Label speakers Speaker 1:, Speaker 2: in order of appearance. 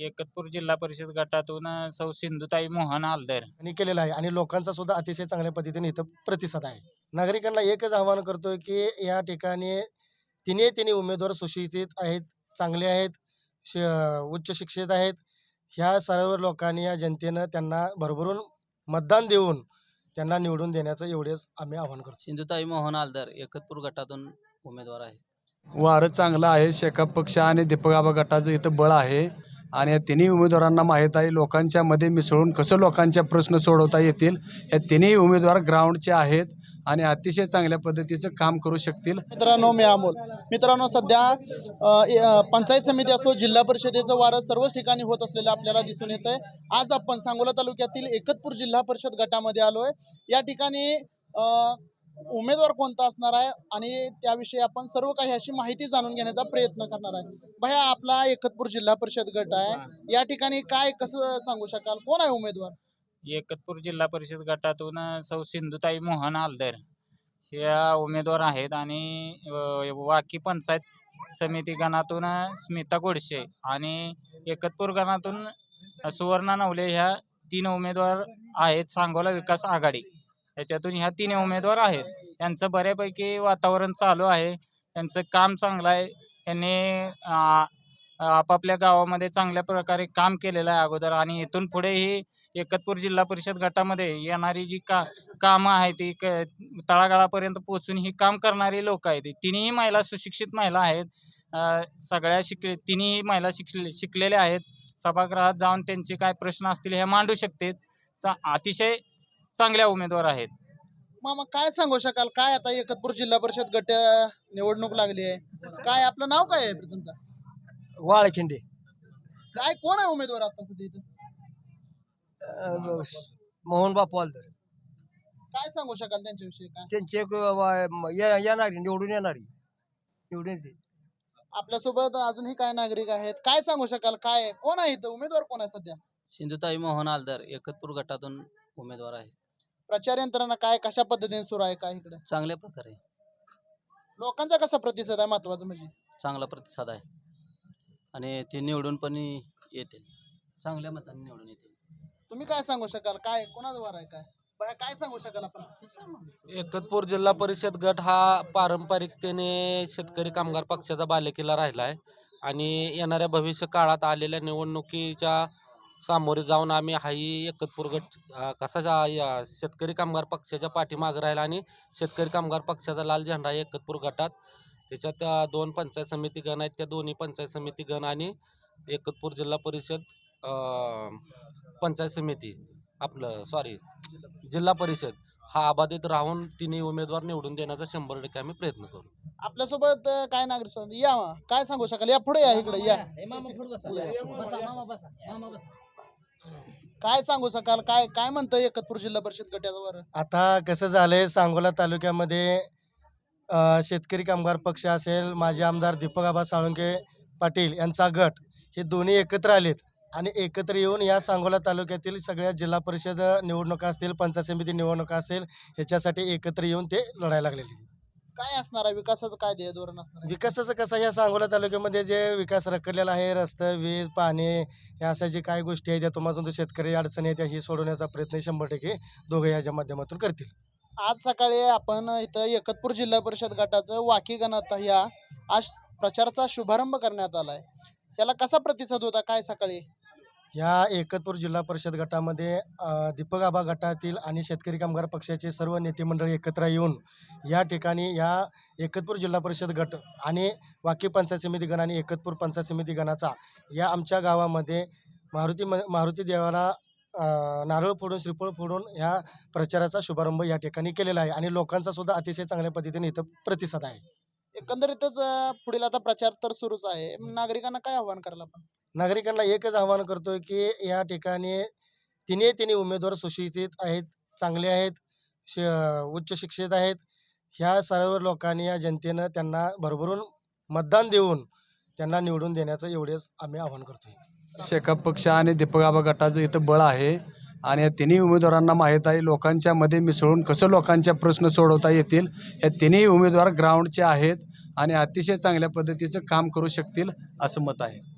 Speaker 1: एकतपूर जिल्हा परिषद गटातून सौ सिंधुताई मोहन आलदर
Speaker 2: आणि केलेला आहे आणि लोकांचा सुद्धा अतिशय चांगल्या पद्धतीने इथं प्रतिसाद आहे. नागरिकांना एकच आवाहन करतोय की या ठिकाणी तिन्ही उमेदवार सुशिक्षित आहेत, चांगले आहेत, उच्च शिक्षित आहेत. ह्या सर्व लोकांनी या जनतेनं त्यांना भरभरून मतदान देऊन त्यांना निवडून देण्याचं एवढेच आम्ही आवाहन करतो.
Speaker 3: सिंधुताई मोहन आलदर एकतपूर गटातून उमेदवार आहे.
Speaker 4: वारं चांगलं आहे. शेकाप पक्ष आणि दीपक आबा गटाचं इथं बळ आहे आणि या तिन्ही उमेदवारांना माहीत आहे लोकांच्या मध्ये मिसळून कसं लोकांचे प्रश्न सोडवता येतील. या तिन्ही उमेदवार ग्राउंडचे आहेत आणि अतिशय चांगल्या पद्धतीचं काम करू शकतील.
Speaker 5: मित्रांनो सध्या पंचायत समिती असो जिल्हा परिषदेचं वारं सर्वच ठिकाणी होत असलेलं आपल्याला दिसून येत आहे. आज आपण सांगोला तालुक्यातील एकतपूर जिल्हा परिषद गटामध्ये आलोय. या ठिकाणी उमेदवार कोणता असणार आहे आणि त्याविषयी आपण सर्व काही अशी माहिती जाणून घेण्याचा प्रयत्न करणार आहे. भैया, आपला एकतपूर जिल्हा परिषद गट आहे, या ठिकाणी काय कसं सांगू शकाल, कोण आहे उमेदवार?
Speaker 1: एकतपूर जिल्हा परिषद गटातून सौ सिंधुताई मोहन आलदर ह्या उमेदवार आहेत आणि वाकी पंचायत समिती गणातून स्मिता गोडसे आणि एकतपूर गणातून सुवर्णा नवले ह्या 3 उमेदवार आहेत. सांगोला विकास आघाडी याच्यातून ह्या 3 उमेदवार आहेत. त्यांचं बऱ्यापैकी वातावरण चालू आहे, त्यांचं काम चांगलं आहे. त्यांनी आपापल्या गावामध्ये चांगल्या प्रकारे काम केलेलं आहे अगोदर आणि इथून पुढे ही एकतपूर जिल्हा परिषद गटामध्ये येणारी जी कामं आहेत ती तळागाळापर्यंत पोहोचून ही काम करणारी लोक आहेत. तिन्ही महिला सुशिक्षित महिला आहेत. सगळ्या तिन्ही महिला शिकलेल्या आहेत. सभागृहात जाऊन त्यांचे काय प्रश्न असतील हे मांडू शकतात. अतिशय चांगल्या उमेदवार आहेत.
Speaker 5: मामा, काय सांगू शकाल, काय आता एकतपूर जिल्हा परिषद गट निवडणूक लागली आहे, काय आपलं नाव काय आहे प्रथमतः?
Speaker 2: वाळखिंडे.
Speaker 5: काय कोण आहे उमेदवार आता सध्या इथं?
Speaker 2: मोहन बापू आलदर.
Speaker 5: काय सांगू शकाल त्यांच्याविषयी? काय
Speaker 2: त्यांचे येणारी निवडून येते.
Speaker 5: आपल्यासोबत अजूनही काय नागरिक आहेत, काय सांगू शकाल, काय कोण आहे इथं उमेदवार, कोण आहे सध्या?
Speaker 3: सिंधुताई मोहन आलदर एकतपूर गटातून उमेदवार आहे.
Speaker 5: प्रचार यंत्रणा काय कशा पद्धतीने सुरू आहे, काय इकडे
Speaker 3: चांगल्या प्रकारे
Speaker 5: लोकांचा कसा प्रतिसाद आहे, महत्वाचं म्हणजे?
Speaker 3: चांगला प्रतिसाद आहे आणि ते निवडून पण येतील, चांगल्या मताने निवडून येतील.
Speaker 5: तुम्ही काय सांगू शकाल, काय कोणाचा वार आहे, काय बाया, काय सांगू शकाल आपण?
Speaker 6: एकतपूर जिल्हा परिषद गट हा पारंपरिकतेने शेतकरी कामगार पक्षाचा बालेकिल्ला राहिला आहे आणि येणाऱ्या भविष्य काळात आलेल्या निवडणुकीच्या सामोरे जाऊन आम्ही हाही एकतपूर गट कसा शेतकरी कामगार पक्षाच्या पाठीमागे राहिला आणि शेतकरी कामगार पक्षाचा लाल झेंडा आहे एकतपूर गटात. त्याच्यात 2 पंचायत समिती गण आहेत. त्या दोन्ही पंचायत समिती गण आणि एकतपूर जिल्हा परिषद पंचायत समिती जिल्हा परिषद हा अबाधित राहून तिन्ही उमेदवार निवडून देण्याचा 100% आम्ही प्रयत्न करू.
Speaker 5: आपल्यासोबत काय नागरिक या, काय सांगू शकाल, या पुढे या, इकडे या. काय सांगू शकाल, काय काय म्हणतं एकतपूर जिल्हा परिषद गटावर?
Speaker 2: आता कसं झालंय, सांगोला तालुक्यामध्ये शेतकरी कामगार पक्ष असेल, माजी आमदार दीपक आबा साळुंके पाटील यांचा गट, हे दोन्ही एकत्र आलेत आणि एकत्र येऊन या सांगोला तालुक्यातील सगळ्या जिल्हा परिषद निवडणुका असतील, पंचायत समिती निवडणुका असेल, ह्याच्यासाठी एकत्र येऊन ते लढायला लागलेले.
Speaker 5: काय असणार आहे विकासाचं, काय ध्येय धोरण असणार आहे?
Speaker 2: विकासाचं कसं, या सांगोला तालुक्यामध्ये जे विकास रखडलेला आहे, रस्ते, वीज, पाणी, या अशा जे काही गोष्टी आहेत त्या तुम्हाला जो शेतकरी अडचणी आहेत ही सोडवण्याचा प्रयत्न 100% दोघे याच्या माध्यमातून करतील.
Speaker 5: आज सकाळी आपण इथं एकतपूर जिल्हा परिषद गटाचं वाकी गणात या आज प्रचाराचा शुभारंभ करण्यात आलाय. त्याला कसा प्रतिसाद होता, काय सकाळी?
Speaker 2: या एकतपूर जिल्हा परिषद गटामध्ये दीपक आबा गटातील आणि शेतकरी कामगार पक्षाचे सर्व नेते मंडळी एकत्र येऊन या ठिकाणी या एकतपूर जिल्हा परिषद गट आणि वाकी पंचायत समिती गण आणि एकतपूर पंचायत समिती गणाचा या आमच्या गावामध्ये मारुती देवाला नारळ फोडून, श्रीफळ फोडून ह्या प्रचाराचा शुभारंभ या ठिकाणी केलेला आहे आणि लोकांचा सुद्धा अतिशय चांगल्या पद्धतीने इथं प्रतिसाद आहे.
Speaker 5: एकंदरीतच पुढील आता प्रचार तर सुरूच आहे, नागरिकांना काय आव्हान करायला आपण?
Speaker 2: नागरिकांना एकच आवाहन करतोय की या ठिकाणी तिन्ही उमेदवार सुशिक्षित आहेत, चांगले आहेत, उच्च शिक्षित आहेत. ह्या सर्व लोकांनी या जनतेनं त्यांना भरभरून मतदान देऊन त्यांना निवडून देण्याचं एवढेच आम्ही आवाहन करतोय.
Speaker 4: शेकाप पक्ष आणि दीपक आबा गटाचं इथं बळ आहे आणि या तिन्ही उमेदवारांना माहीत आहे लोकांच्या मध्ये मिसळून कसं लोकांचे प्रश्न सोडवता येतील. या तिन्ही उमेदवार ग्राउंडचे आहेत आणि अतिशय चांगल्या पद्धतीचं काम करू शकतील असं मत आहे.